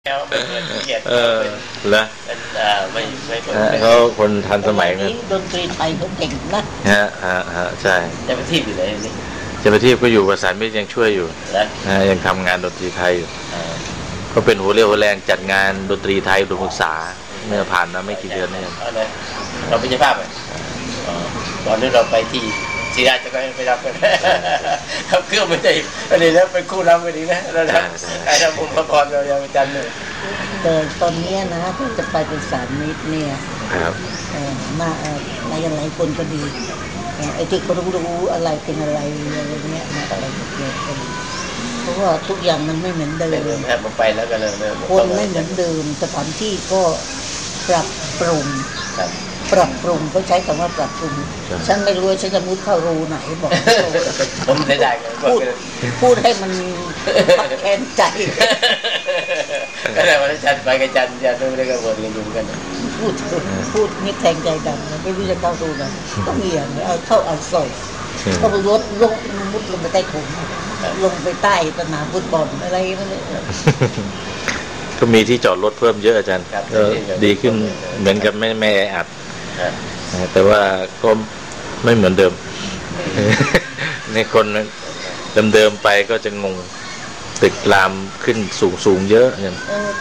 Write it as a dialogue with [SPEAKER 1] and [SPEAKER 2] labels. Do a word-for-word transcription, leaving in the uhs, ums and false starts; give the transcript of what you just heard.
[SPEAKER 1] เออแล้ว
[SPEAKER 2] ไม่ไม่
[SPEAKER 1] เขาคนทันสมัยนะ
[SPEAKER 3] ดนตรีไทยเขาเก่งนะ
[SPEAKER 1] ฮะฮะฮะใช่
[SPEAKER 2] จะไปทีบอยู่เลยนี่
[SPEAKER 1] จะไปทีบก็อยู่ประสานมิตรยังช่วยอยู่นะยังทำงานดนตรีไทยอยู่ก็เป็นหัวเรี่ยวหัวแรงจัดงานดนตรีไทยอุดมศึกษาเมื่อผ่านมาไม่กี่เดือนนี่
[SPEAKER 2] เราเป็นเจ้าภาพเลยตอนนี้เราไปที่ศิราจะไปไปรับกันครับเครื่องไม่ได้อันนี้แล้วเป็นคู่นำกันอีกนะแล้วนะไอ้ทำบุญประกอบเรายังจันเลย
[SPEAKER 3] แต่ตอนนี้นะที่จะไปเป็นสารมิตรเนี่ยมาหลายหลายคนก็ดีไอ้ที่เขารู้รู้อะไรเป็นอะไรอะไรเงี้ยนะอะไรเกี่ยวกันเพราะว่าทุกอย่างมันไม่เหมือนเดิม
[SPEAKER 2] แทบไปแล้วก็เลย
[SPEAKER 3] คนไม่เหมือนเดิมสถานที่ก็ปรับปรุงปรับปรุงเขาใช้คำว่าปรับปรุงฉันไม่รู้ว่าฉันจะมุดเข้ารูไหนบอก
[SPEAKER 2] ผมไม่ได้
[SPEAKER 3] พูดพูดให้มันแค้นใจ
[SPEAKER 2] ก็เลยวันจันทร์ไปกับจันทร์จันทร์ดูได้ก็บวชกันอยู่กัน
[SPEAKER 3] พูดพูดนี่แทงใจดำไม่รู้จะเข้ารูไหนก็มีอย่างเอาเข้าเอาใส่ก็ไปรถลงมุดลงไปใต้ถุนลงไปใต้สนามฟุตบอลอะไรนั่นเลย
[SPEAKER 1] ก็มีที่จอดรถเพิ่มเยอะอาจารย์ก็ดีขึ้นเหมือนกับไม่ไม่แออัดแต่ว่าก็ไม่เหมือนเดิมในคนเดิมๆไปก็จะงงตึกรามขึ้นสูงๆเยอะอย่าง